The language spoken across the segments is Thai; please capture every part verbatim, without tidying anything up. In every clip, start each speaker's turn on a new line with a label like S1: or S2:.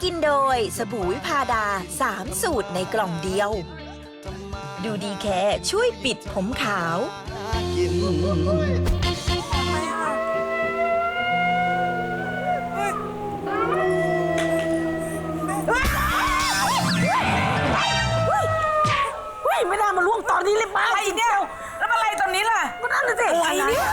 S1: กินโดยสบู่วิพาดาสามสูตรในกล่องเดียวดูดีแค่ช่วยปิดผมขาว
S2: ไม่น่ามาล่วงตอนนี้เลยป้า
S3: อะไรเนี่ยแล้วอะไรตอนนี้ล่ะ
S2: ก็นั่นน่ะสิ
S3: อะไรเนี่ย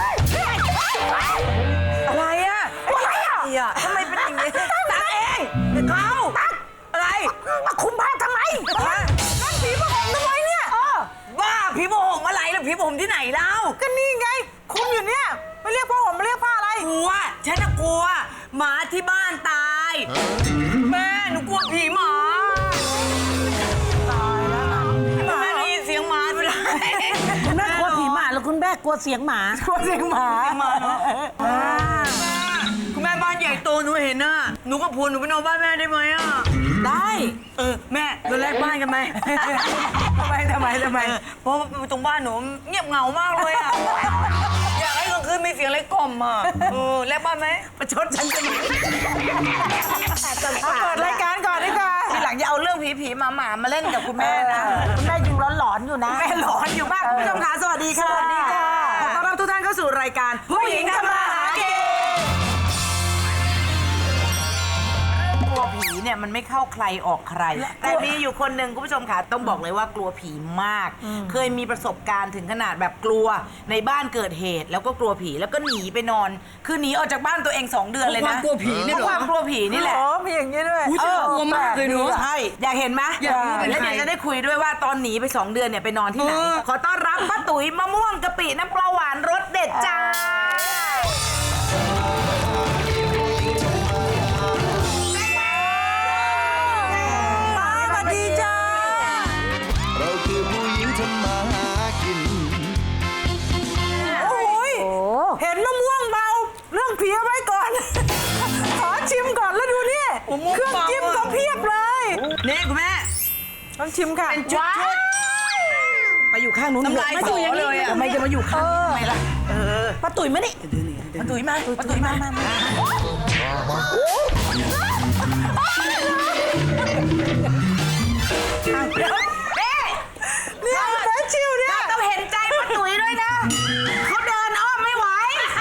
S3: อะไรอะอะไรอะทำไมเป็นอย่างนี้ตักเองเขาตักอะไรมาคุมผ้าทำไมนั่นผีผงทำไมเนี่ยบ้าผีผงอะไรล่ะผีผงที่ไหนเล่า
S2: ก็นี่ไงคุมอยู่เนี่ยไม่เรียกผ้าห่มไม่เรียกผ้าอะไร
S3: กลัวฉันน่ะกลัวหมาที่บ้านตายแม่หนูกลัวผีหมาแม่ได้ยินเสียงหมาด้วย
S2: คุณแม่กลัวผีหมาแล้วคุณแม่กลัวเสียงหมากลัวเสียงหมา
S3: คุณแม่บ้านใหญ่โตหนูเห็นน่ะหนูกับผัวหนูไปนอนบ้านแม่ได้ไหมอ่ะ
S2: ได้
S3: เออแม่เราแลกบ้านกันไหม
S2: ทำไมทำไมทำไม
S3: เพราะตรงบ้านหนูเงียบเหงามากเลยอ่ะอยากให้กลางคืนมีเสียงอะไรกล่อมอ่ะเออแลกบ้านไหม
S2: ประชดฉันจะมาเอาเปิดรายการก่อนดีกว่า
S3: ทีหลังอย่าเอาเรื่องผีผีหมาหมามาเล่นกับคุณแม่นะ
S2: คุณแม่ยังหลอนๆอยู่นะแม่หลอนอยู่มากคุณผู้ชมคะสวัสดีค่ะสวัสดีค่ะขอต้อนรับทุกท่านเข้าสู่รายการผู้หญิงทำมาหากิน
S4: กลัวผีเนี่ยมันไม่เข้าใครออกใคร แต่มีอยู่คนหนึ่งคุณผู้ชมค่ะต้องบอกเลยว่ากลัวผีมาก เคยมีประสบการณ์ถึงขนาดแบบกลัวในบ้านเกิดเหตุ แล้วก็กลัวผีแล้วก็หนีไปนอน คือหนีออกจากบ้านตัวเองสองเดือนเลยนะ
S3: กลัวผีนี่เหรอ
S4: เพราะความกลัวผีนี่แหละ
S2: โอ้มีอย่างนี้ด้วย
S3: เออกลัวมากเลยเนอะ
S4: ใช่อยากเห็นไหม
S3: อยากรู้เป็น
S4: แล้ว
S3: ใคร
S4: เดี๋ยวจะได้คุยด้วยว่าตอนหนีไปสองเดือนเนี่ยไปนอนที่ไหน
S3: เออ
S4: ขอต้อนรับป้าตุ๋ยมะม่วงกะปิน้ำปลาหวานรสเด็ดจ้า
S2: สวัสดีจ้า
S5: เราคือผู้หญิงทำมาหากิน
S2: โอ้ยเห็นมะม่วงเบาเรื่องผีเอาไว้ก่อน ขอชิมก่อนแล้วดูนี่เครื่องจิ้มก็เพียบเลย
S3: นี่คุณแม่
S2: ต้องชิมค่ะ
S3: เป็นชุดชุด
S4: ไปอยู่ข้างนู้น
S3: น้ำลายสอเลยอ่ะ
S4: ทำไมจะมาอยู่ข้างนี้ทำไมล่ะ
S2: ป้าตุ๋ยมานี่
S4: ป้าตุ๋ยมาป้าตุ๋ยมามา
S2: เนี่ยแม่ชิวเนี่ย
S4: ต้องเห็นใจป้าตุ๋ยด้วยนะเขาเดินอ้อมไม่ไหว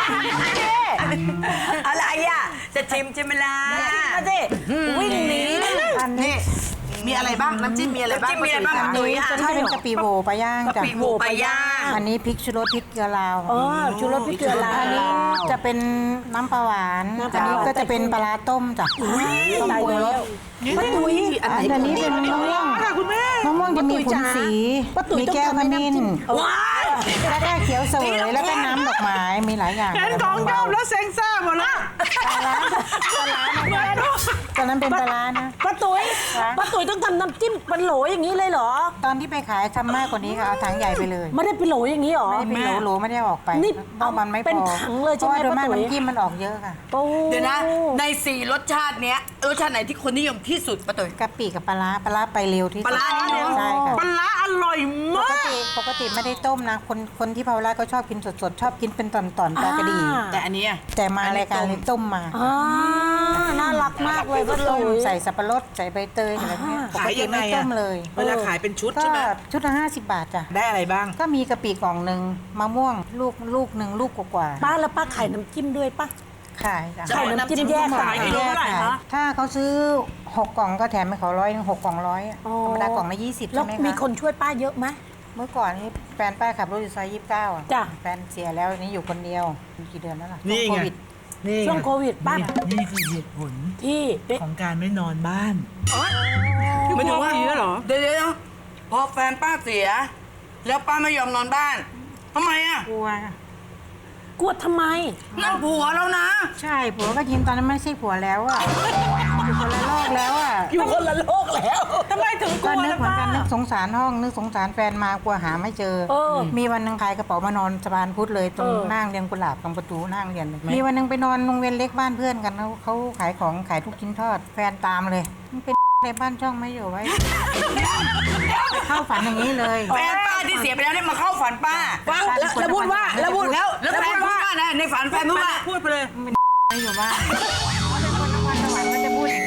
S3: อะไรอ่ะจะชิมใช่ไหมล่ะ
S2: มาสิวิ่งหนีอันนี้
S4: นี่มีอะไรบ้างน้ำจิ้มมีอะไรบ้าง
S3: น้ำจิ้มมีอะไรบ้าง
S4: ป้า
S3: ป้า
S4: ตุ๋
S3: ตุ๋
S4: ย
S3: ยอ่ะ
S6: ตัวนี้เป็นกะปิโวปลาย่าง
S3: กะ
S6: จ้ะ
S3: ปิหมูปลาย่าง
S6: อันนี้พริกชูรสพริกเกลือลาว
S2: อ๋อชูรสพริกเกลือลาว
S6: อันนี้จะเป็นน้ำปลาหวาน
S2: น้ำป
S6: อั
S2: ลาน หวาน
S6: นี้ก็จะเป็นปลาร้าต้มจ้ะต้มปรุงรส
S2: ป้าตุ๋ย
S6: อันนี้เป็นมะม่วง
S2: ค่ะคุณแม่
S6: มะม่วงจะมีผลสี
S2: ป้าตุ๋ย
S6: มีแก้วขมิ้น
S3: ว้าย
S6: แล้วก็เขียวเสวยแล้วก็น้ำดอกไม้มีหลายอย่าง
S2: เห็นของชอบแล้วเซ็งซ่าหมดแล้ว
S6: ปลาร้าปลาร้าตอนนั้นเป็นปลาร้านะ
S2: ป้าตุ๋ยป้าตุ๋ยต้องทำน้ำจิ้มเป็นโหลอย่างนี้เลยเหรอ
S6: ตอนที่ไปขายทำมากกว่านี้ค่ะเอาถังใหญ่ไปเลย
S2: ไม่ได้เป็นโหลอย่างนี้เหรอ
S6: ไม่ได้เป็นโหลโหลไม่ได้ออกไป
S2: นี่
S6: เพราะมันไม่พอ
S2: เป็นถังเลยใช่ไหม
S6: พราะว่าโดยมาก
S2: ป้าตุ๋ย
S6: น้ำจิ้มมันออกเยอะค่ะ
S2: โอ้
S3: เดี๋ยวนะ ในสี่รสชาติเนี้ยรสชาติไหนที่คนนิยมที่สุดป้าตุ๋ย
S6: กะปิกับปลาร้าปลาร้าไปเร็วที่สุด
S3: ปลาร้านิดนึง
S6: ใช่ค่ะ
S2: ปลาร้าอร่อย
S6: ป
S2: มาก
S6: ติปกติไม่ได้ต้มนะ คนคนที่ภาวราก็ชอบกินสดๆ ชอบกินเป็นตอนๆปลากระดี
S3: แต่อันเนี้ย
S6: แต่มารายการเลยต้มมา
S2: อ่าน่ารักมากเลยป้า
S6: ต้
S2: ตุ๋
S6: ม
S2: ย
S6: ใส่สับปะรดใส่ใบเตยอะไรเงี้ยปกติไม่ต้มเลย
S4: เวลาขายเป็นชุด
S6: ก็
S4: ใช่ไหม
S6: ชุดละห้าสิบบาทจ้ะ
S4: ได้อะไรบ้าง
S6: ก็มีกะปิกล่องหนึ่งมะม่วงลูกลูกหนึ่งลูกกว่า
S2: ป้าแล้วป้าขายน้ำจิ้มด้วยป้า
S6: ๆขายจ้ะ
S2: ขายน้ำจิ้มแยก
S6: ขาย
S2: กิโล
S6: แยก
S2: เท่าไหร่
S6: ขาย
S2: คะ
S6: ถ้าเขาซื้อหกกล่องก็แถมให้เขาร้อยหนึ่งหกกล่องร้อยอะ
S2: อ๋อ
S6: ธรรมดากล่องละยี่สิบ
S2: แล้
S6: ใช่
S2: ว
S6: ไหม
S2: มี
S6: คะ
S2: คนช่วยป้าเยอะไหม
S6: เมื่อก่อนนี้แฟนป้าขับรถอยู่ซอยยี่สิบเก้าอ่ะ
S2: จ้ะ
S6: แฟนเสียแล้วนี่อยู่คนเดียวกี่เดือนแล้วล่ะ
S7: นี่
S6: ช่วง
S7: ไง
S6: โควิด
S7: นี่
S2: ช่วงโควิดป้า
S7: นี่คือเหตุผล
S2: ที่เป็น
S7: ของการไม่นอนบ้าน
S3: ไม่ถึงว่าเหรอเดี๋ยวเดี๋ยวพอแฟนป้าเสีย แล้วป้าไม่ยอมนอนบ้านทำไมอ่ะ
S6: กลัว
S2: กลัวทำไม
S3: นั่นผัวแล้วนะ
S6: ใช่ผัวก็ยิ้มตอนนั้นไม่ใช่ผัวแล้วอ่ะอยู่คนละโลกแล้วอ่ะ
S2: อยู่คนละโลกแล้วทำไมถึงก
S6: ก็
S2: ลัว
S6: นึก
S2: ล่ะ
S6: เหมือน
S2: ป้า
S6: กันนึกสงสารห้องนึกสงสารแฟนมากลัวหาไม่เจอ
S2: เออ
S6: มีวันหนึ่งขายกระเป๋ามานอนสะพานพุทธเลยตรง
S2: เออ
S6: นั่งเรียนกุหลาบตรงประตูนั่งเรียนเลยมีวันหนึ่งไปนอนโรงเรียนเล็กบ้านเพื่อนกันเขาเขาขายของขายทุกชิ้นทอด แฟนตามเลยมันเป็นในบ้านช่องไม่อยู่ไว้ เข้าฝันอย่างนี้เลย
S3: แฟนป้าที่เสียไปแล้วเนี่ยมาเข้าฝันป้า
S6: ว่า
S3: แล้วแล้วพูดว่าแล้วพูดแล้วแล้วแฟนพูดว่านะในฝันแฟนพูดว่า
S2: พูดไปเลย
S6: ไม่อยู่บ้านเป็นคนนครสวรรค์ก็จะพูดอย่างเงี้ย
S3: อันนั้น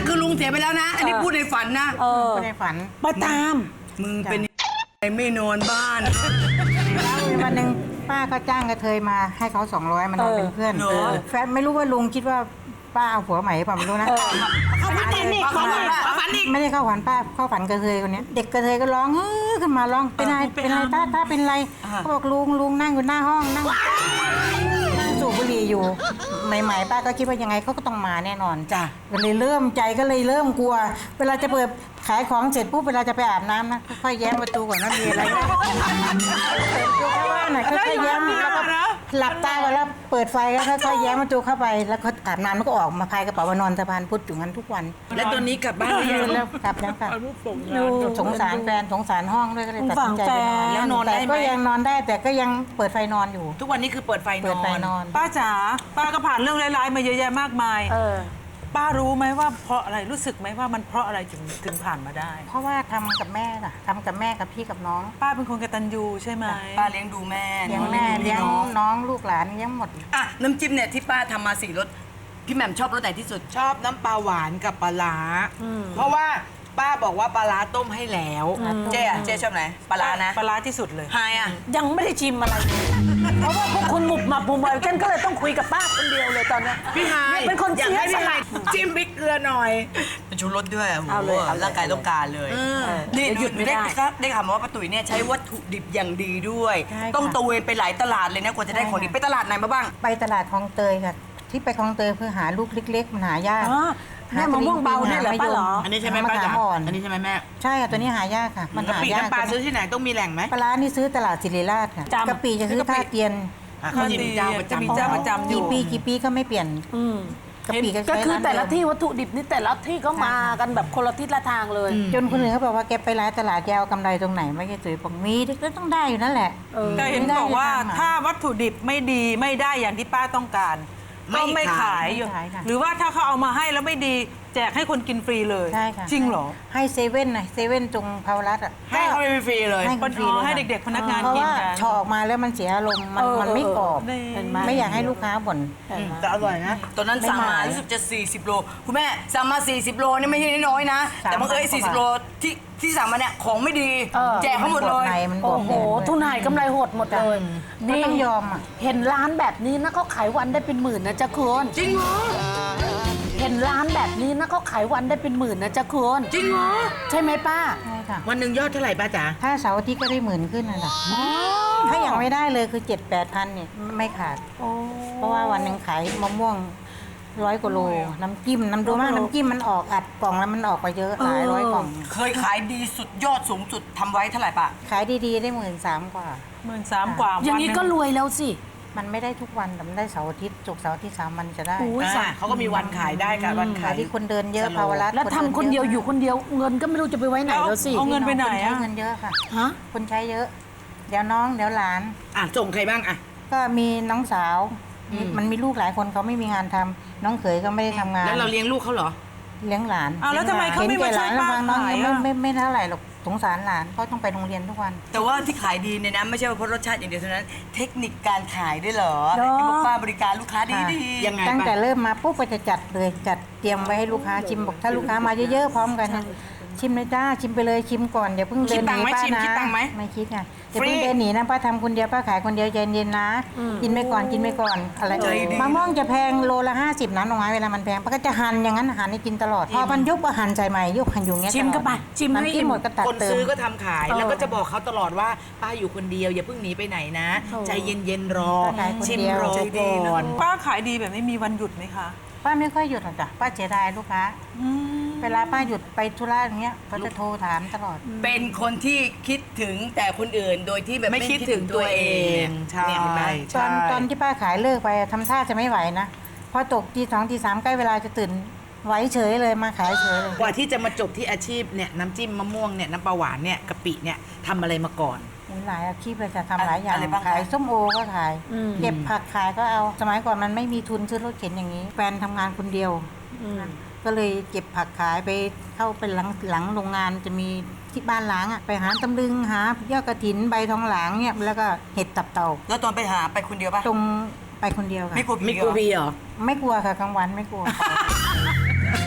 S3: คือลุงเสียไปแล้วนะ อันนี้พูดในฝันนะ
S2: เออ
S6: ไม่ได้ฝัน
S2: มาตาม
S3: มึงเป็นไอ้ไม่นอนบ้าน
S6: แล้ววันหนึ่งป้าก็จ้างกระเทยมาให้เขาสองร้อยมานอนเป็นเพื่อน
S3: เหรอ
S6: แฟนไม่รู้ว่าลุงคิดว่าป้าเอาผัวใหม่หรือเปล่าไม่รู้นะ
S2: เขาฝันอีกเขาฝันอีก
S3: ฝันอีก
S6: ไม่ได้เข้าฝันป้าเข้าฝันกระเทยคนเนี้ยเด็กกระเทยก็ร้องเฮ้ยขึ้นมาร้องเป็นอะไรเป็นอะไรตาตาเป็นอะไรเขาบอกลุงลุงนั่งอยู่หน้าห้องนั่งนั่งสูบบุหรี่อยู่ใหม่ๆป้าก็คิดว่ายังไงเขาก็ต้องมาแน่นอน
S3: จ้ะ
S6: ก็เลยเริ่มใจก็เลยเริ่มกลัว เวลาจะเปิดขายของเสร็จปุ๊บเวลาจะไปอาบน้ำนะค่อยๆแย้มประตูก่อนว่ามีอะไรไหมเปิดประตูเข้าบ้านหน่อยค่อยๆแย้มแล้วก็หลับตาก่อนแล้วเปิดไฟก็ค่อยๆแย้มประตูเข้าไปแล้วก็อาบน้ำแล้วก็ออกมาพายกระเป๋ามานอนสะพานพุทธอยู่งั้นทุกวัน
S3: แล้วตอนนี้กลับบ้านหรือยัง
S6: แล้วกลับแล้วค่ะสงสารแฟนสงสารห้องด้วยก็เลยตัดสินใจไปนอน
S3: แล้วนอนได้
S6: แต่
S3: ไหม
S6: ก็ยังนอนได้แต่ก็ยังเปิดไฟนอนอยู่
S3: ทุกวันนี้คือเปิดไฟน
S6: เปิดไฟ
S3: อน
S6: นอน
S2: ป้าจ๋าป้าก็ผ่านเรื่องร้ายๆมาเยอะแยะมากมาย
S6: เออ
S2: ป้ารู้ไหมว่าเพราะอะไรรู้สึกไหมว่ามันเพราะอะไรถึงถึงผ่านมาได้
S6: เพราะว่าทำกับแม่น่ะทำกับแม่กับพี่กับน้อง
S2: ป้าเป็นคนกตัญญูใช่ไหม
S3: ป้าเลี้ยงดูแม่
S6: เลี้ยงแม่เลี้ยงน้องลูกหลานเลี้ยงหมด
S3: อ่ะน้ำจิ้มเนี่ยที่ป้าทำมาสี่รสพี่แหม่มชอบรสไหนที่สุด
S4: ชอบน้ำปลาหวานกับปลาร้าเพราะว่าป้าบอกว่าปลาร้าต้มให้แล้ว
S3: เจ๊อะเจ๊ชอบไหนปลาร้านะ
S2: ปลาร้าที่สุดเลย
S3: ไฮอะ
S8: ยังไม่ได้ชิมอะไรเลยเพราะว่าพวกคุณหมุบมาบุมอะไรฉันก็เลยต้องคุยกับป้าคนเดียวเลยตอนเนี้ย
S4: พี่ไฮ
S8: เนี่ยเป็นคน
S4: อยาก
S8: เสีย
S4: ให้
S8: ส
S4: พี่ไฮ
S8: ละ
S4: จิ้มพริกเกลือหน่อย
S3: เป็นชูรสด้วยอะโอ้
S8: เอา
S3: โห
S8: เลยเอาเลย
S3: ร่างกายต้องการเลยนี่
S8: เดี๋ยวหยุดไม่ได้
S3: ครับได้ข่าวมาว่าป้าตุ๋ยเนี่ยใช้วัตถุดิบอย่างดีด้วย
S6: ใช่ค่ะ
S3: ต้องตระเวนไปหลายตลาดเลยนะกว่าจะได้ของดีไปตลาดไหนมาบ้าง
S6: ไปตลาดคลองเตยค่ะ ที่ไปคลองเตยเพื่อหาลูกเล็กๆมันหายาก
S8: อ๋อแม่มะม่วงเบาเนี่ยเหรอป้าเหรอ
S3: อันนี้ใช่ไหมป้า
S6: จ๋า
S3: จ๋า
S6: อ่อน
S3: อันนี้ใช่ไหมแม่
S6: ใช่ค่ะตัวนี้หายากค่ะ มัน
S4: กะ
S6: หา
S4: ปิ
S6: ยาก
S4: น้ำปลาซื้อที่ไหนต้องมีแหล่งไหม
S6: ปลาร้านี่ซื้อตลาดศิริราชค่ะ
S8: จำ
S6: กะปิจะซื้อท่าเตียน
S3: อ่ะเขาจะมีเจ้าประ
S2: จะมี
S3: จำ
S2: เจ้าประจำอยู่
S6: กี่ปีกี่ปีก็ไม่เปลี่ยน
S8: อืม
S6: กะปิก็
S8: ก็
S6: ใช้
S8: คือ
S6: ร้าน
S8: แต่ละ
S6: เดิม
S8: ที่วัตถุดิบนี่แต่ละที่ก็มากันแบบคนละทิศละทางเลย
S6: จนคนอื่นเขาบอกว่าแกไปร้านตลาดแกเอากำไรตรงไหนไม่ใช่สวยบอกมีก็ต้องได้อยู่นั่นแหละ
S2: แต่เห็น
S6: ไม่ได้
S2: บอกว่า
S6: จะทำอะ
S2: ถ้าวัตถุดิบไม่ดีไม่ได้อย่างที่ป้าต้องการ
S3: ไม่
S2: ก็ไม่ขาย
S6: ไม่ขายค่ะ
S2: หรือว่าถ้าเขาเอามาให้แล้วไม่ดีแจกให้คนกินฟรีเลย
S6: ใช่ค่ะ
S2: จริงเหรอ
S6: ให้เซเว่นหน่อยเซเว่นตรงพาวรัตอ่ะ
S3: ให้เขาไปฟรีเลย
S6: ให้คนฟรีเลย
S2: ให้
S6: ค่ะ
S2: เด็กๆพนักงาน
S6: เพราะ
S2: กิน
S6: ว่า
S2: กัน
S6: ชอออกมาแล้วมันเสียอารมณ์มัน
S8: เออ
S6: มันไม่กรอบ
S2: นี่
S8: เห็นไหม
S6: ไม่อยากให้ลูกค้าบ่น
S3: แต่อร่อยนะ ตอนนั้นสั่งมารู้สึกจะ สี่สิบ โล คุณแม่สั่งมา สี่สิบ โลนี่ไม่ใช่น้อยๆนะ แต่บางเอ้ยสี่สิบ โลที่ที่สั่งมาเนี่ยของไม่ดี
S8: เออ
S3: แจกเขาหมดเลย
S6: มันบ
S8: โอ้
S6: วม
S8: โห
S6: ในมันบวมใน
S8: ทุนหายกำไรหดหมดเลย
S6: ก็ต้องยอมอ่ะ
S8: เห็นร้านแบบนี้นะเขาขายวันได้เป็นหมื่นนะจ๊ะคุณ
S3: จริงเหรอ
S8: เห็นร้านแบบนี้นะเขาขายวันได้เป็นหมื่นนะจ๊ะคุณ
S3: จริงเหรอ
S8: ใช่ไหมป้า
S6: ใช่ค่ะ
S3: วันหนึ่งยอดเท่าไหร่ป้าจ๋า
S6: ถ้าเสาร์อาทิตย์ก็ได้หมื่นขึ้นน่ะนะถ้าอย่างไม่ได้เลยคือเจ็ดแปดพันเนี่ยไม่ขาด เพราะว่าวันหนึ่งขายมะม่วงร้อยกว่าโล น้ำจิ้มน้ำดูมากน้ำจิ้มมันออกอัดกล่องแล้วมันออกไปเยอะหลายร้อยกล่อง
S3: เคยขายดีสุดยอดสูงสุดทำไว้เท่าไหร่ป้า
S6: ขายดีๆได้หมื่นสามกว่า
S2: หมื่นสามกว่า
S8: อย่างนี้ก็รวยแล้วสิ
S6: มันไม่ได้ทุกวันแต่มันได้เสาร์อาทิตย์ศุกร์เสาร์อาทิตย์สามวันจะได้
S8: อุ้ย
S4: อ่าเขาก็มีวันขายได้ค่ะวันขา
S6: ขาย ยที่คนเดินเยอะภาวรัต
S8: แล้วทำคนเดียวอยู่คนเดียวเงินก็ไม่รู้จะไปไว้ไหนแล้วสิ
S2: เอาเงินไปไหน
S6: คนใช้
S2: อะ
S6: เงินเยอะค่ะ
S8: ฮะ
S6: คนใช้เยอะ เดี๋ยวน้องเดี๋ยวหลาน
S3: อ่ะส่งใครบ้างอ่ะ
S6: ก็มีน้องสาวมีมันมีลูกหลายคนเขาไม่มีงานทำน้องเขยก็ไม่ได้ทำงาน
S3: แล้วเราเลี้ยงลูกเขาเหรอ
S6: เลี้ยงหลาน
S2: อ้าวแล้วทำไมเขาไม่
S6: ห็น
S2: มา
S6: แก่ห
S2: ช่ว
S6: ลาย น
S2: ป้า
S6: แล้วฟังน้อง
S2: ขาย
S6: ไม่
S2: อะ
S6: ไม่ไม่เท่าไหร่หรอกสงสารหลานเขาต้องไปโรงเรียนทุกวัน
S3: แต่ว่าที่ขายดีเนี่ยนะไม่ใช่ว่าเพราะรสชาติอย่างเดียวเท่านั้น เทคนิคการขายด้วยเหรอ
S6: เนอะ
S3: ที่บอกป้าบริการลูกค้าดีดี
S6: ค่ะ
S3: ยังไง
S6: ตั้ง
S3: ป้า
S6: แต่เริ่มมาปุ๊บก็จะจัดเลยจัดเตรียมไว้ให้ลูกค้าชิมบอกถ้าลูกค้ามาเยอะๆพร้อมกันนะชิมเลยจ้าชิมไปเลยชิมก่อนอย่าเพิ่งเดินหนีป้านะไม่คิดไงอย่าเพิ่งเดินหนีนะป้าทำคนเดียวป้าขายคนเดียวใจเย็นๆนะกินไปก่อนกินไปก่อนอะไรมะม่วงจะแพงโลละห้าสิบนะน้องไม้เวลามันแพงป้าก็จะหั่นอย่างนั้นหั่นให้กินตลอดพอมันยุบก็หั่นใจใหม่ยุบหั่นอยู่เงี้ย
S8: ชิมก็ไปชิมให้
S6: น้ำจิ้มหมดก็ตัด
S4: คน
S6: เติ
S4: ซื้อ
S6: ม
S4: ก็ทำขายแล้วก็จะบอกเขาตลอดว่าป้าอยู่คนเดียวอย่าเพิ่งหนีไปไหนนะ ใจเย็นๆรอ
S6: ขายคน
S4: ชิม
S6: เดียว
S4: รอก่อน
S2: ป้าขายดีแบบไม่มีวันหยุดไหมคะ
S6: ป้าไม่ค่อยหยุดหรอกจ้ะป้าเสียดายลูกค้าเวลาป้าหยุดไปธุระอย่างเงี้ยเขาจะโทรถามตลอด
S3: เป็นคนที่คิดถึงแต่คนอื่นโดยที่แบบ
S4: ไม่คิดถึงตัวเองใช่
S3: เนี่ยเห็นไหม
S6: ตอนตอนที่ป้าขายเลิกไปอะทำท่าจะไม่ไหวนะพอตกตีสองตีสามใกล้เวลาจะตื่นไหวเฉยเลยมาขายเฉยเลย
S4: กว่าที่จะมาจบที่อาชีพเนี่ยน้ำจิ้มมะม่วงเนี่ยน้ำปลาหวานเนี่ยกะปิเนี่ยทำอะไรมาก่อน
S6: มีหลายอาชีพเลยจะทำหลายอย่าง
S3: อะไรบ้างคะ
S6: ขายส้มโอก็ขาย เก็บผักขายก็เอาสมัยก่อนมันไม่มีทุนซื้อรถเข็นอย่างนี้ แฟนทำงานคนเดียวก็เลยเก็บผักขายไปเข้าไปหลังหลังโรงงานจะมีที่บ้านหลังอ่ะไปหาตำลึงหายอดกระถินใบทองหลางเนี่ยแล้วก็เห็ดตับเต่า
S3: แล้วตอนไปหาไปคนเดียวป่ะ
S6: ตรงไปคนเดียวค่ะ
S3: ไม่กลัวผี
S4: ไม่กลัว
S3: เหรอ
S4: พีเหรอ
S6: ไม่กลัวค่ะกลางวันไม่กลัว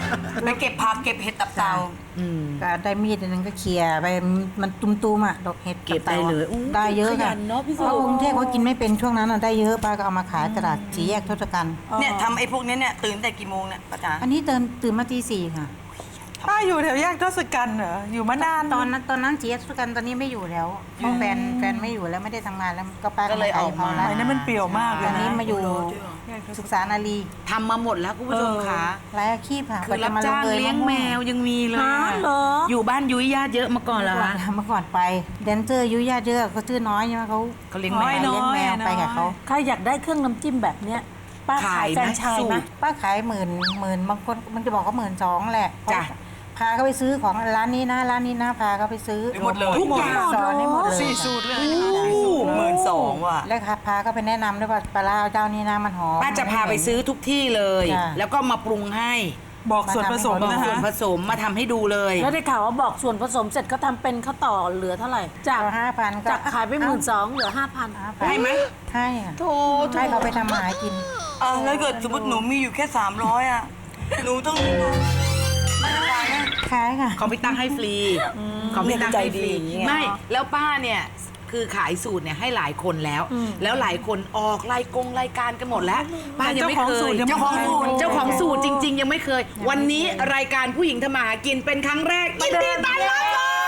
S3: ไปเก็บผักเก็บเห็ดตับเต่า
S6: ก็ได้มีดอันนึงก็เขี่ยไปมันตุ้มๆอ่ะดอกเห็ด
S4: เก็บได้เลยอู้
S6: ได้เยอะ
S7: ขยั
S6: ค่ะ
S7: นเนอะพี่สุ
S6: เพราะกรุงเทพเขากินไม่เป็นช่วงนั้นอะได้เยอะป้าก็เอามาขายตลาดสีแยกทศกัณฐ์
S3: เนี่ยทำไอ้พวกนี้เนี่ยตื่นแต่กี่โมงเนี่ยป้าจ๋า
S6: อันนี้ตื่นตื่นมาตีสี่ค่ะ
S2: ป้าอยู่แถวแยกทศกัณฐ์เหรออยู่มานาน
S6: ตอนนั้นตอนนั้นสีแยกทศกัณฐ์ตอนนี้ไม่อยู่แล้วเพราะแฟนแฟนไม่อยู่แล้วไม่ได้ทำงานแล้วก็ป้า
S4: ก็เลยออกมา
S6: ขย
S2: อันนี้มันเปรี่ยวมากเล
S6: ต
S2: ย
S6: อน
S2: นะ
S6: นี้มาอยู่ศึกษานารี
S4: ทำมาหมดแล้วคุณผู้ชมค่ะ
S6: หลายอาชีพค่ะ
S4: คือรับจ้างเลี้ยงแมวยังมีเลย
S8: ฮะเหรอ
S4: อยู่บ้านยุ้ยญาติเยอะมาก่อนเหรอ
S6: เมื่อก่อน
S4: คะ
S6: เมื่อก่อนไปแดนเซอร์อายุญาติเยอะเขาชื่อน้อยใช่ไหมเขา
S4: เขาเลี้ยงแมว
S6: เลี้ยงแมวไปกับเขา
S8: ใครอยากได้เครื่องน้ำจิ้มแบบเนี้ยป้าขาย
S4: ขาย
S8: แฟร
S4: นะ
S8: นไชาย
S4: สู
S8: ไหม
S4: ตร
S6: ป้าขายหมื่นหมื่นบางคนมันจะบอกเขาหมื่นสองแหละ
S4: จ้ะ
S6: พาเขาไปซื้อของร้านนี้นะร้านนี้นะพาเขาไปซื้อ
S3: หมดเลย
S4: ทุกอย่าง
S6: สอนให้หมดเลย
S2: สี่สูตรเลย
S3: หมื่นสองว่ะ
S6: แล้วค่ะพาเขาไปแนะนำด้วยว่าปลาร้าเจ้านี้นะมันหอม
S4: ป้าจะพาไปซื้อทุกที่เลย
S6: จ้ะ
S4: แล้วก็มาปรุงให้
S2: บอกส่วนผสม
S4: บอก
S2: นะ
S4: ส่วน
S2: คะ
S4: ผสมมาทำให้ดูเลย
S8: แล้วได้ข่าวว่าบอกส่วนผสมเสร็จเขาทำเป็นเขาต่อเหลือเท่าไหร่ จาก
S6: ห้าพันก็
S8: จากขายไปหมื่นสองเหลือห้าพัน
S4: ให้ไหม
S6: ให้ค่ะ
S4: โถ
S6: ให้เขาไปทำมาหากิน
S3: อ่ะแล้วเกิดสมมติหนูมีอยู่แค่สามร้อยอ่ะหนูต้องไม่ขายนะ
S6: ขายค่ะ
S4: ของพี่ตั้งให้ฟรีของพี่ตั้งให้ฟรี
S3: ใจดีไง
S4: ไม่แล้วป้าเนี่ยคือขายสูตรเนี่ยให้หลายคนแล้ว แล้วหลายคนออกรายกงรายการกันหมดแล้วป้ายังไม่เคย
S2: เจ้าของสูตรยังไม่
S4: เจ้าของ
S2: เคย
S4: สูตรเจ้าของสูตรจริง ๆ ยังไม่เคย วันนี้รายการผู้หญิงทำมาหากินเป็นครั้งแรกยินดีต้อนรับ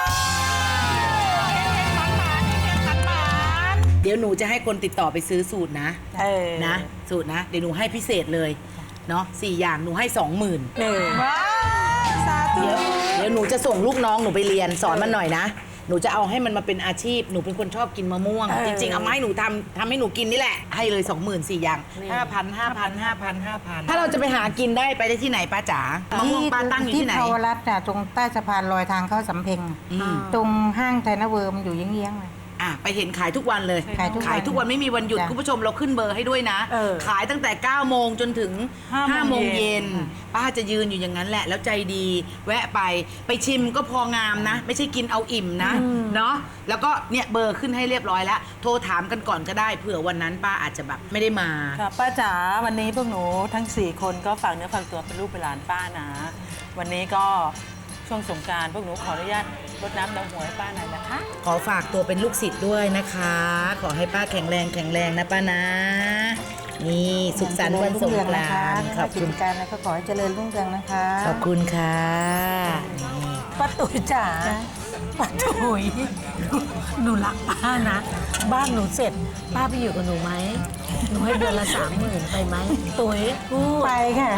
S4: เดี๋ยวหนูจะให้คนติดต่อไปซื้อสูตรนะ
S8: เออ
S4: นะ สูตรนะ เดี๋ยวหนูให้พิเศษเลยเนาะสี่อย่างหนูให้สองหมื่น
S8: เออ
S4: เดี๋ยวเดี๋ยวหนูจะส่งลูกน้องหนูไปเรียนสอนมันหน่อยนะ หนูจะเอาให้มันมาเป็นอาชีพ หนูเป็นคนชอบกินมะม่วง จริงๆ เอามาให้หนูทำทำให้หนูกินนี่แหละ ให้เลยสองหมื่นสี่อย่างห้าพันห้าพันห้าพันห้าพันถ้าเราจะไปหากินได้ไปได้ที่ไหนป้าจ๋ามะม่วงป้าตั้งอยู่ที่ไหน
S6: ที่เทาวรัตน์น่ะตรงใต้สะพานลอยทางเข้าสำเพ็ง
S4: อืม
S6: ตรงห้างไทยนเวิร์มอยู่เยื้องๆเลย
S4: อ่ะไปเห็นขายทุกวันเลย
S6: ขายทุกวัน
S4: ขายทุกวันไม่มีวันหยุด
S6: จ้ะ
S4: คุณผู้ชมเราขึ้นเบอร์ให้ด้วยนะ
S8: เออ
S4: ขายตั้งแต่เก้าโมงจนถึง
S2: ห้า
S4: ห้า
S2: โม
S4: โม
S2: ง
S4: ง
S2: เย็
S4: เย็
S2: น
S4: นป้าจะยืนอยู่อย่างนั้นแหละ แล้วใจดี แวะไปไปชิมก็พองามนะ ไม่ใช่กินเอาอิ่มนะเนาะแล้วก็เนี่ยเบอร์ขึ้นให้เรียบร้อยแล้ว โทรถามกันก่อนก็ได้เผื่อวันนั้นป้าอาจจะแบบไม่ได้มา
S9: ค่ะป้าจ๋าวันนี้พวกหนูทั้ง สี่ คนก็ฝากเนื้อฝากตัวเป็นลูกเป็นหลานป้านะ วันนี้ก็ช่วงสงกรารพวกหนูขออนุญาตรดน้ำดำหัวให้ป้าหน่อยนะคะ
S4: ขอฝากตัวเป็นลูกศิษย์ด้วยนะคะ ขอให้ป้าแข็งแรงแข็งแรงนะป้านะ นี่สุขสันต์วันสงกรานต์ข
S6: ข
S4: อ
S6: อ
S4: บบ
S6: คุ
S4: คุณ
S6: ณการแล้วก็ขอให้เจริญรุ่งเรืองนะคะ
S4: ขอบคุณค่ะนี่
S8: ป้าตุ๋ยจ๋าป้าตุ๋ยหนูรักป้านะ บ้านหนูเสร็จ ป้าไปอยู่กับหนูไหมหนูให้เดือนละสามหมื่นไปไหมตุ๋ยพูด
S6: ไปค่ะ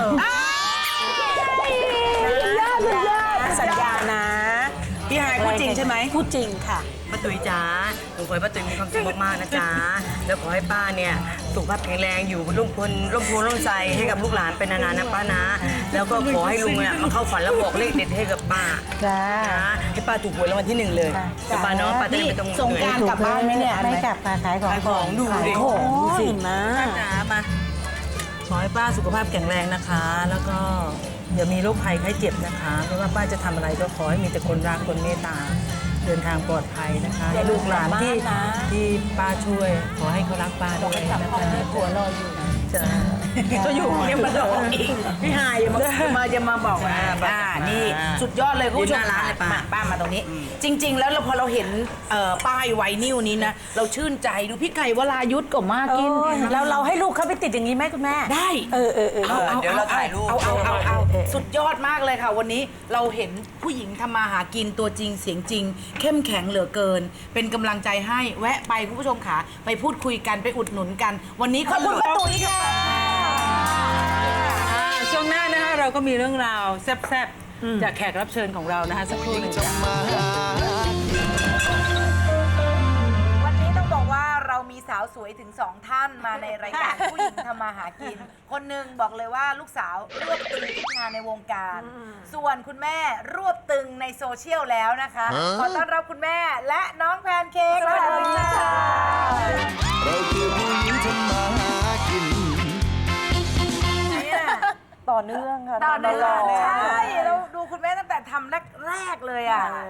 S8: สัญญานะ
S3: พี่ฮายพูดจริงใช่ไหม
S8: พูดจริงค่ะ
S3: ป้าตุ๋ยจ๋าหนูขอให้ป้าตุ๋ยมีความสุขมากๆนะจ๊ะ แล้วขอให้ป้าเนี่ยสุขภาพแข็งแรงอยู่ร่มพลร่มโพร่มใจให้กับลูกหลานเป็นนานๆนะป้านะ แล้วก็ขอให้ลุงเนี่ยมาเข้าฝันแล้วบอกเลขเด็ดให้กับป้า
S6: จ้า
S3: นะให้ป้าถูกหวยรางวัลที่หนึ่งเลย
S6: จ้ะ
S3: แต่ป้าเนาะป้าจะได้ไม่ต้อง
S4: สงกรานต์กลับบ้านไหมเนี่ย
S6: ไม่กลับค่ะขายของ
S3: ขายของดูดิ
S8: โอ้โหสินะ
S9: ป้าจ๋ามา ขอให้ป้าสุขภาพแข็งแรงนะคะ แล้วก็อย่ามีโรคภัยไข้เจ็บนะคะ ไม่ว่าป้าจะทำอะไรก็ขอให้มีแต่คนรักคนเมตตา เดินทางปลอดภัยนะคะ
S8: อย่าลื
S9: ลู
S8: ม
S9: กหลานที่
S8: กลับบ้านนะ
S9: ที่ป้าช่วย ขอให้เขารักป้าด้วยนะคะ
S8: หัวรออยู่นะ
S9: จ้ะ
S4: ก็อยู่ยังมาบอกอีกพี่ฮายอย่ามาอย่ามาอย่ามาบอกว่าอ่านี่สุดยอดเลยคุณผู้ชมค่ะมาป้ามาตรงนี้ จริง ๆ แล้วเราพอเราเห็นเอ่อป้ายไวนิวนี้นะเราชื่นใจดูพี่ไก่วรายุทธก็มากิน
S8: แล้วเราให้ลูกเขาไปติดอย่างนี้ไหมคุณแม่
S4: ได้
S8: เออเออเออ
S4: เอาเอา
S3: เดี๋ยวเราถ่ายรูป
S4: เอาเอาเอาเอาสุดยอดมากเลยค่ะ วันนี้เราเห็นผู้หญิงทำมาหากินตัวจริงเสียงจริง เข้มแข็งเหลือเกิน เป็นกำลังใจให้แวะไปคุณผู้ชมค่ะไปพูดคุยกันไปอุดหนุนกัน วันนี้ขอบคุณป้าตุ๋ยค่ะ
S9: อ่าช่วงหน้านะคะเราก็มีเรื่องราวแซ่บๆจากแขกรับเชิญของเรานะคะสักครู่หนึ่งจ้ะ
S4: วันนี้ต้องบอกว่าเรามีสาวสวยถึงสองท่านมาในรายการ ผู้หญิงทำมาหากิน คนหนึ่งบอกเลยว่าลูกสาวรวบตึงทุกงานในวงการ ส่วนคุณแม่รวบตึงในโซเชียลแล้วนะคะ ขอต้อนรับคุณแม่และน้องแพนเค้กสวัสดีค่ะ
S5: เราคือผู้หญิงทำมาหากิน
S8: ต่อเนื่องค่ะ
S4: ตอนนี้
S8: ตลอด
S4: ใช่เราดูคุณแม่ตั้งแต่ทำแรกๆเลยอ่ะ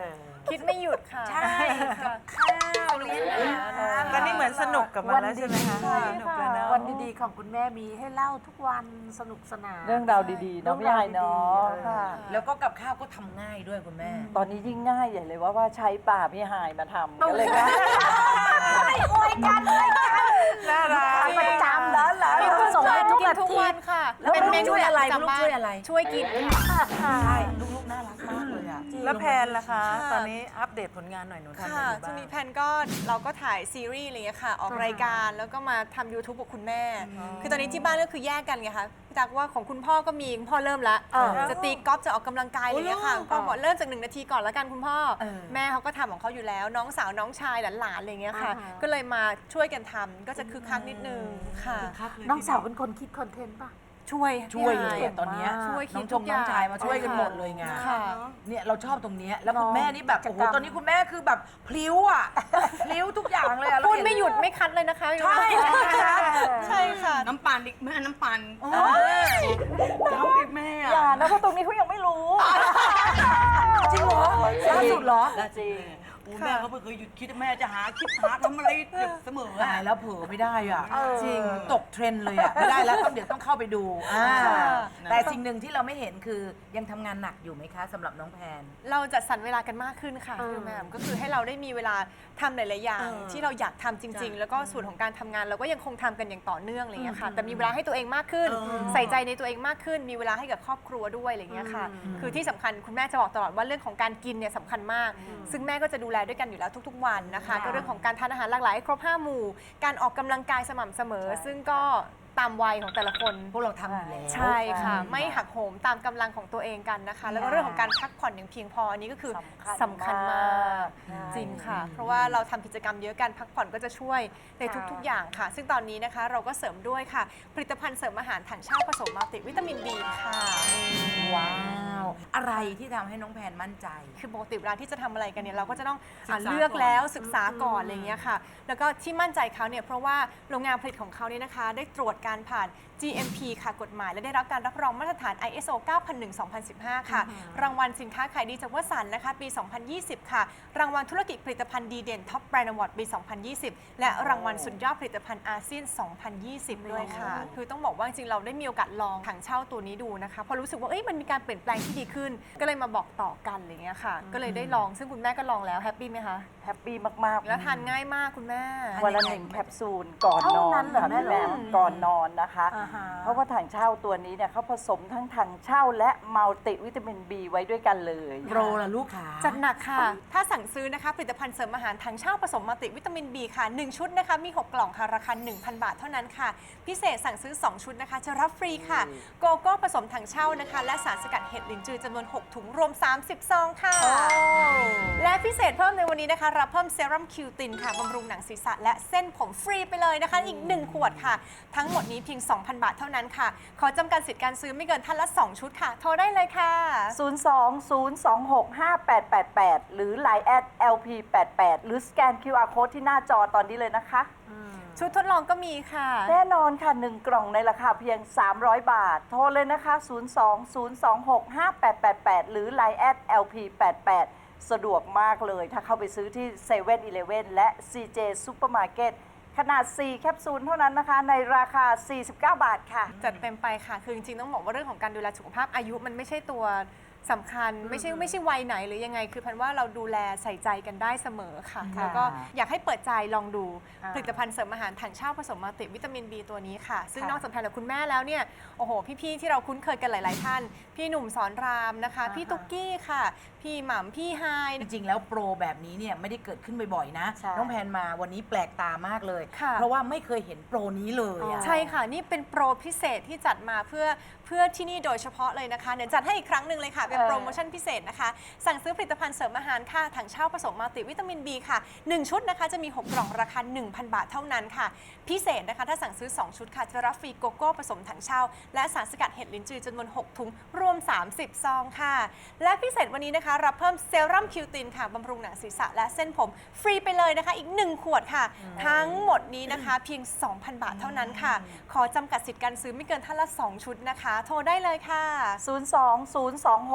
S10: คิดไม่หยุดค่ะ
S4: ใช่กับข้าวเลี้ยงอาหาร
S2: ตอนนี้เหมือนสนุกกับมันแล้วใช่ไหมคะ
S10: ใช่
S2: สนุก
S10: ค่ะ
S2: แล้วเนอะ
S10: วันดีๆของคุณแม่มีให้เล่าทุกวันสนุกสนาน
S3: เรื่องราวดีๆเนาะพี่ใหญ่เนาะค่ะ
S4: แล้วก็กับข้าวก็ทำง่ายด้วยคุณแม่
S3: ตอนนี้ยิ่งง่ายใหญ่เลยว่าว่าใช้ป่าพี่หายมาทำก็เลยง่าย
S10: อวยกันอวยกัน
S2: น่ารัก
S10: ประจำแล้วเหรอส่งให้ทุกอาทิตย์
S1: ค่ะ
S4: แล้วลูกช่วยอะไรลูกช่วยอะไร
S1: ช่วยกิน
S4: ใช่ลูกๆน่ารักมากเลยอ่ะ
S2: แล้วแพนล่ะคะ ตอนนี้อัปเดตผลงานหน่อยหนูทำอะไร
S11: ค่ะ
S2: อยู่
S11: ช่ว
S2: บ้าง ง
S11: นี้แพนก็เราก็ถ่ายซีรีส์อะไรเงี้ยค่ะ ออกรายการแล้วก็มาทำ YouTube กับคุณแม่ คือตอนนี้ที่บ้านก็คือแยกกันไงคะพี่ตั๊กว่าของคุณพ่อก็มีคุณพ่อเริ่มละจะตีกอล์ฟจะออกกำลังกายอะไรเงี้ยค่ะคุณพ่อบอกเริ่มจากหนึ่งนาทีก่อนแล้วกันคุณพ่อ แม่เขาก็ทำของเขาอยู่แล้ว น้องสาวน้องชายหลานๆอะไรเงี้ยค่ะ ก็เลยมาช่วยกันทำก็จะคึกคักนิดนึงค่ะ
S10: น้องสาวเป็นคนคิดคอนเทนต์ป่ะ
S11: ช่วย
S4: ช่วยเลย
S11: พี่
S4: อะตอนเนี้ย
S11: ช่วย
S4: น้
S11: คิ
S4: อ
S11: ด
S4: งช
S11: ทุ
S4: ม
S11: กอ
S4: น้อง
S11: ย่าง
S4: ชายมาช่วยกันหมดเลยไง
S11: ค่ะ
S4: เนี่ยเราชอบตรงเนี้ยแล้วคุณแม่นี่แบบโอ้โหตอนนี้คุณแม่คือแบบพลิ้วอ่ะ พลิ้วทุกอย่างเลยอะ
S11: พูดไม่หยุดไม่คัดเลยนะคะ
S4: ใช่
S11: ใช่ค่ะ
S9: น้ำปั่นอีกแม่น้ำปั่น
S3: อย่านะเพราะตรงนี้เขายังไม่รู้
S4: จริงเหรอล่าสุดเหรอ
S3: จริง
S9: แม่เขาไม่เคยหยุดคิดแม่จะหาคิดหาทำอะไรเสมอ
S4: ตายแล้วเผลอไม่ได้อ่ะจริงตกเทรนด์เลยอ่ะไม่ได้แล้วต้องเดี๋ยวต้องเข้าไปดูอ่าแต่สิ่งหนึ่งที่เราไม่เห็นคือยังทำงานหนักอยู่ไหมคะสำหรับน้องแพน
S11: เราจัดสรรเวลากันมากขึ้นค่ะคือแม่ก็คือให้เราได้มีเวลาทำหลายๆอย่างที่เราอยากทำจริง ๆ แล้วก็ส่วนของการทำงานเราก็ยังคงทำกันอย่างต่อเนื่องอะไรอย่างเงี้ยค่ะแต่มีเวลาให้ตัวเองมากขึ้น ใส่ใจในตัวเองมากขึ้น มีเวลาให้กับครอบครัวด้วยอะไรอย่างเงี้ยค่ะคือที่สำคัญคุณแม่จะบอกตลอดว่าเรื่องของการกินเนี่ยสำคัญมาก ซึ่งแม่ก็จะดูแลด้วยกันอยู่แล้วทุกๆวันนะคะก็เรื่องของการทานอาหารหลากหลายให้ครบห้าหมู่การออกกำลังกายสม่ำเสมอ ซึ่งก็ตามวัยของแต่ละคน
S4: พวกเราทำอยู่แล้ว
S11: ใช่ค่ะ ไม่หักโหมตามกำลังของตัวเองกันนะคะ แล้วก็เรื่องของการพักผ่อนอย่างเพียงพออันนี้ก็คือสำคัญมากจริงค่ะ เพราะว่าเราทำกิจกรรมเยอะกันพักผ่อนก็จะช่วยในทุกๆอย่างค่ะ ซึ่งตอนนี้นะคะเราก็เสริมด้วยค่ะ ผลิตภัณฑ์เสริมอาหารถังเช่าผสมมัลติวิตามินบีค่ะ
S4: ว้าว อะไรที่ทำให้น้องแพนมั่นใจ
S11: คือปกติเวลาที่จะทำอะไรกันเนี่ยเราก็จะต้องอ่ะเลือกแล้วศึกษาก่อนอะไรอย่างเงี้ยค่ะ แล้วก็ที่มั่นใจเขาเนี่ยเพราะว่าโรงงานผลิตของเขาเนี่ยนะคะ ได้ตรวจการผ่าน จี เอ็ม พี ค่ะกฎหมายและได้รับการรับรองมาตรฐาน ไอ เอส โอ เก้าพันหนึ่ง สองพันสิบห้า ค่ะ รางวัลสินค้าขายดีจากวสันต์นะคะ ปี สองพันยี่สิบ ค่ะ รางวัลธุรกิจผลิตภัณฑ์ดีเด่นท็อปแบรนด์อวอร์ดปี สองพันยี่สิบ และรางวัลสุดยอดผลิตภัณฑ์อาเซียน สองพันยี่สิบ ด้วยค่ะ คือต้องบอกว่าจริงๆเราได้มีโอกาสลองถังเช่าตัวนี้ดูนะคะเพอรู้สึกว่าเอ้ยมันมีการเปลี่ยนแปลงที่ดีขึ้น ก็เลยมาบอกต่อกันอะไรเงี้ยค่ะ ก็เลยได้ลองซึ่งคุณแม่ก็ลองแล้วแฮปปี้ไหมคะ
S3: แฮปปี้มากๆ
S11: แล้วทานง่ายมากคุณแม่
S3: วันละหนึ่งแคปซูลก่อนนอนค่ะแม่แหม่มก่อนนอนนะคะ เพราะว่าถังเช่าตัวนี้เนี่ยเขาผสมทั้งถังเช่าและมัลติวิตามิน B ไว้ด้วยกันเลย
S4: โปรล่ะลูกขา
S11: จัดหนักค่ะ ถ้าสั่งซื้อนะคะผลิตภัณฑ์เสริมอาหารถังเช่าผสมมัลติวิตามิน B ค่ะ หนึ่ง ชุดนะคะ มี หก กล่องค่ะ ราคา หนึ่งพัน บาทเท่านั้นค่ะ พิเศษสั่งซื้อ สอง ชุดนะคะ จะรับฟรีค่ะ โกโก้ผสมถังเช่านะคะ และสารสกัดเห็ดลินจือจำนวน หก ถุง รวม สามสิบ ซองค่ะ และพิเศษเพิ่มในวันนี้นะคะ รับเพิ่มเซรั่มคิวตินค่ะบำรุงหนังศีรษะและเส้นผมฟรีไปเลยนะคะ อีก หนึ่ง ขวดค่ะ ทั้งหมดนี้เพียง สองพัน บาทเท่านั้นค่ะ ขอจำกัดสิทธิ์การซื้อไม่เกินท่านละ สอง ชุดค่ะ โทรได้เลยค่ะ
S3: ศูนย์ สอง ศูนย์ สอง หก ห้า แปด แปด แปด หรือ ไลน์ แอด แอล พี แปด แปด หรือสแกน คิว อาร์ Code ที่หน้าจอตอนนี้เลยนะคะ
S11: ชุดทดลองก็มีค่ะ
S3: แน่นอนค่ะ หนึ่ง กล่องในราคาเพียง สามร้อย บาท โทรเลยนะคะ ศูนย์ สอง ศูนย์ สอง หก ห้า แปด แปด แปด หรือ ไลน์ แอด แอล พี แปด แปด สะดวกมากเลย ถ้าเข้าไปซื้อที่ เซเว่น อีเลฟเว่น และ ซี เจ Supermarket ขนาด สี่ แคปซูลเท่านั้นนะคะ ในราคา สี่สิบเก้า บาทค่ะ
S11: จัดเต็มไปค่ะ คือจริงๆต้องบอกว่าเรื่องของการดูแลสุขภาพอายุมันไม่ใช่ตัวสำคัญ ไม่ใช่ไม่ใช่วัยไหนหรือยังไง คือพันว่าเราดูแลใส่ใจกันได้เสมอค่ะ
S3: ค่ะ
S11: แล้วก็อยากให้เปิดใจลองดูผลิตภัณฑ์เสริมอาหารถังเช่าผสมมัลติวิตามิน B ตัวนี้ค่ะ ซึ่งนอกจากทานกับคุณแม่แล้วเนี่ย โอ้โห พี่ๆที่เราคุ้นเคยกันหลายๆท่าน พี่หนุ่มสอนรามนะคะ พี่ตุ๊กกี้ค่ะ พี่หม่ำพี่ไฮ
S4: จริงๆ แล้วโปรแบบนี้เนี่ยไม่ได้เกิดขึ้นบ่อยๆ นะ
S3: ใช่
S4: น้องแพนมาวันนี้แปลกตามากเลย
S11: ค่ะ
S4: เพราะว่าไม่เคยเห็นโปรนี้เลยอะ
S11: ใช่ค่ะ นี่เป็นโปรพิเศษที่จัดมาเพื่อเพื่อที่นี่โดยเฉพาะเลยนะคะเดี๋ยวจัดให้อีกครั้งหนึ่งเลยค่ะ เป็นโปรโมชั่นพิเศษนะคะ สั่งซื้อผลิตภัณฑ์เสริมอาหารค่ะถังเช่าผสมมัลติวิตามิน B ค่ะ หนึ่ง ชุดนะคะจะมี หก กล่องราคา หนึ่งพัน บาทเท่านั้นค่ะ พิเศษนะคะถ้าสั่งซื้อ สอง ชุดค่ะ จะรับฟรีโกโก้ผสมถังเช่า และสารสกัดเห็ดลิ้นจือจำนวน หก ถุง รวม สามสิบ ซองค่ะ และพิเศษวันนี้นะคะรับเพิ่มเซรั่มคิวตินค่ะบำรุงหนังศีรษะและเส้นผมฟรีไปเลยนะคะอีก หนึ่ง ขวดค่ะ ทั้งหมดนี้นะคะเพียง สองพัน บาทเท่านั้นค่ะ ขอจำกัดสิทธิ์การซื้อไม่เกินท่านละ สอง ชุดนะคะ โทรได้เลยค่ะ
S3: ศูนย์ สอง ศูนย์ สอง ห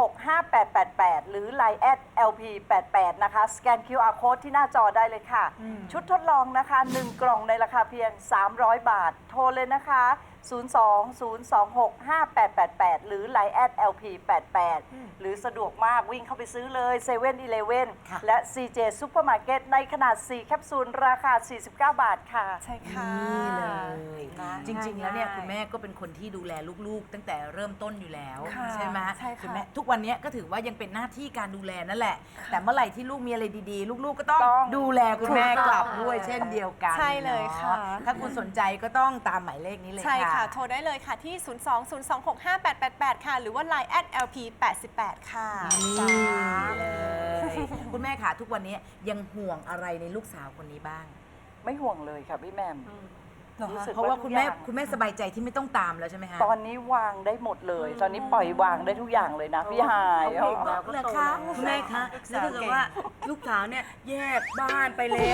S12: หก ห้า แปด แปด แปด หรือ ไลน์ แอท แอล พี แปดแปด นะคะ สแกน คิว อาร์ Code ที่หน้าจอได้เลยค่ะ ชุดทดลองนะคะ หนึ่ง กล่องในราคาเพียง สามร้อย บาท โทรเลยนะคะ ศูนย์ สอง ศูนย์ สอง หก ห้า แปด แปด แปด หรือ ไลน์ แอท แอล พี แปดแปด หรือสะดวกมากวิ่งเข้าไปซื้อเลยเซเว่นอีเลฟเว่นและ ซี เจ Supermarket ในขนาด สี่ แคปซูล ราคา สี่สิบเก้า บาทค่ะ
S11: ใช่ค่ะ
S4: นี่เลยจริง ๆ แล้วเนี่ยคุณแม่ก็เป็นคนที่ดูแลลูกๆ ตั้งแต่เริ่มต้นอยู่แล้ว
S11: ค่ะ
S4: ใช่ไหม
S11: ใช่ค่ะ
S4: ณแม่ทุกวันนี้ก็ถือว่ายังเป็นหน้าที่การดูแลนั่นแหละ แต่เมื่อไหร่ที่ลูกมีอะไรดีๆ ลูกๆก็ต้อง
S12: ต้อง
S4: ดูแลคุณแม่
S11: ถูกต้อง
S4: กลับด้วยเช่นเดียวกัน
S11: ใช่เลยค่ะ
S4: เนาถ้าคุณสนใจก็ต้องตามหมายเลขนี้เลย
S11: ใช่ค่ะ
S4: ค่ะ
S11: โทรได้เลยค่ะที่ ศูนย์ สอง ศูนย์ สอง หก ห้า แปด แปด แปด ค่ะ หรือว่า ไลน์ แอท แอล พี แปดแปด ค่ะ
S4: เลยคุณแม่ค่ะทุกวันนี้ยังห่วงอะไรในลูกสาวคนนี้บ้าง
S12: ไม่ห่วงเลยค่ะพี่แหม่มรู้สึก
S4: เพราะว่าคุณแม่
S12: ทุกอย่าง
S4: คุณแม่สบายใจที่ไม่ต้องตามแล้วใช่ไหมคะ
S12: ตอนนี้วางได้หมดเลย ตอนนี้ปล่อยวางได้ทุกอย่างเลยนะพี่หาย
S3: เหรอคะคุณแม่คะแล้วถ้าเกิดว่าลูกสาวเนี่ยแยกบ้านไปแล้ว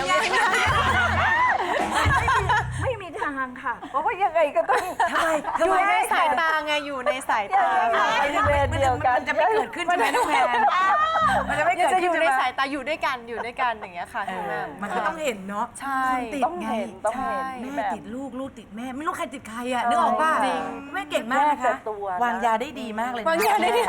S12: ไม่มีทางค่ะ เพราะว่ายังไงก็ต้อง
S11: ทำไมอยู่ในสายตาไงอยู่ในสายตา
S12: บริเวณเดียวกัน
S4: มันจะไม่เกิดขึ้นใช่ไหมน้องแพนมันจะไม่
S11: ยัง
S4: เกิด
S11: จะอ
S4: ขึ้น
S11: ยู่
S4: ใช่
S11: ใน
S4: ไหม
S11: สายตาอยู่ด้วยกันอยู่ด้วยกันอย่างเงี้ยค่ะคุณแม่
S4: มันก็ต้องเห็นเนาะ
S11: ใช่
S4: คนติด
S12: ต้อง
S4: ไง
S12: เห็นต้องเห็น
S11: ใช่
S12: พี่
S4: แม่
S12: แหม่ม
S4: ติดลูกลูกติดแม่ไม่รู้ใครติดใครอ่ะนึกออกป่ะ
S11: จริง
S4: แม่เก่งมากนะ
S12: แม่แต่
S4: คะ
S12: ตัวนะ
S4: วางยาได้ดีมากเลยนะ
S11: วางยาได้ดี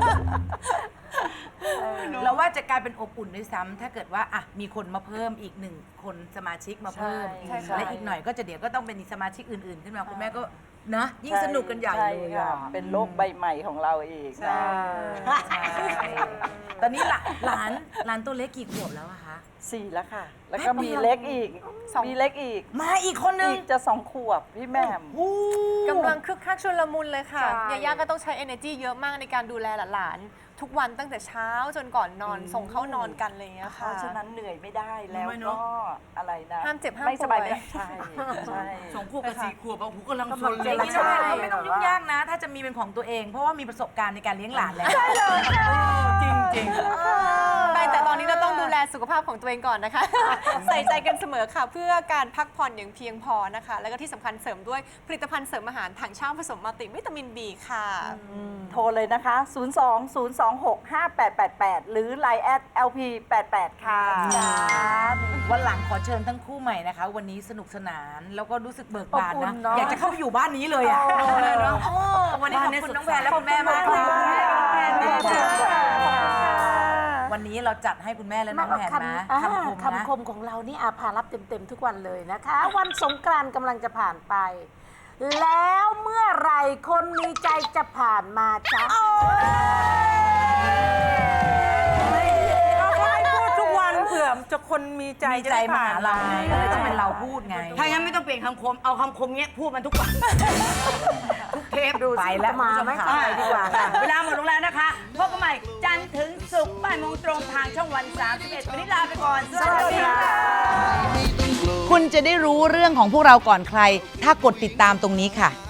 S4: เราว่าจะกลายเป็นอบอุ่นด้วยซ้ำถ้าเกิดว่าอ่ะมีคนมาเพิ่มอีกหนึ่งคนสมาชิกมาเพิ่ม
S12: ใช่ใช่
S4: และอีกหน่อยก็จะเดี๋ยวก็ต้องเป็นสมาชิกอื่นๆ ขึ้นมาคุณแม่ก็นะยิ่งสนุกกันใหญ่
S12: ช่
S4: เลย
S12: ค่ะ
S4: อ่ะ
S12: เป็นโลกใบใหม่ของเราอีก
S4: ใช่ใช่ตอนนี้หลานหลานหลานตัวเล็กกี่ขวบแล้วอะคะ
S12: สี่แล้วค่ะ แล้วก็มีเล็กอีก มีเล็กอีก
S4: มาอีกคนนึง
S12: อีกจะสองขวบพี่แหม่ม
S11: กำลังคึกคักชุลมุนเลยค่ะ
S12: ใช่
S11: ยาย่าก็ต้องใช้ energy เยอะมากในการดูแลหลานๆทุกวันตั้งแต่เช้าจนก่อนนอนส่งเข้านอนกันอะไรอย่างเงี้ย
S12: เพ
S11: ค่ะ
S12: ราะฉะนั้นเหนื่อยไม่ได้แล้ว
S3: ไม่เน
S12: ก็
S3: อะ
S12: อะไรนะ
S11: ห้ามเจ็บห้าม
S12: ไม่สบาย
S11: ป่วย
S12: ไม่ใช่ใช่
S3: สองขวบกับสี่ขวบเอาหูกำลังชน
S4: อ
S3: เล
S4: ย่าย งนี้
S11: ใช่
S4: นะไม่ต้องยุ่งยากนะ ถ้าจะมีเป็นของตัวเอง เพราะว่ามีประสบการณ์ในการเลี้ยงหลานแล้ว
S3: จริงจริง
S11: ไม่แต่ตอนนี้เราต้องดูแลสุขภาพของตัวเองก่อนนะคะ ใส่ใจกันเสมอค่ะ เพื่อการพักผ่อนอย่างเพียงพอนะคะ แล้วก็ที่สำคัญเสริมด้วยผลิตภัณฑ์เสริมอาหารถังเช่าผสมมัลติวิตามิน บี ค่ะ
S12: โทรเลยนะคะ ศูนย์ สอง ศูนย์ สอง หก ห้า แปด แปด แปด หรือ ไลน์ แอท แอล พี แปดแปด ค่ะ
S4: วันหลังขอเชิญทั้งคู่ใหม่นะคะ วันนี้สนุกสนานแล้วก็รู้สึกเบิกบาน
S12: อบอุ่
S4: นะ
S12: นเนอะ
S4: อยากจะเข้าไปอยู่บ้านนี้เลยอ่ะเนาะวันนี้ขอบคุณน้องแพนและคุณแม่มากเลยวันนี้เราจัดให้คุณแม่และน้องแพนนะคำคมนะ
S8: คำคมของเรานี่อาภารับเต็มๆทุกวันเลยนะคะ วันสงกรานต์กำลังจะผ่านไป แล้วเมื่อไหรคนมีใจจะผ่านมาจ๊ะ
S2: ให้พูดทุกวันเผื่อจะคนมีใจ
S4: มีใจมาหาเราไงก็เลยต้องเป็นเราพูดไง
S3: ถ้างั้นไม่ต้องเปลี่ยนคำคม เอาคำคมเนี้ยพูดมันทุกวัน ทุกเทปดู
S4: ไปแล้ว
S8: มาไหม
S4: คุณผู้ช
S8: ไปดีกว่าค่ะ
S3: เวลาหมดลงแล้วนะคะพบกันใหม่จันทร์ถึงศุกร์บ่ายโมงตรงทางช่องวันสามสิบเอ็ดวันนี้ลาไปก่อน สวัสดีค่ะ
S4: คุณจะได้รู้เรื่องของพวกเราก่อนใคร ถ้ากดติดตามตรงนี้ค่ะ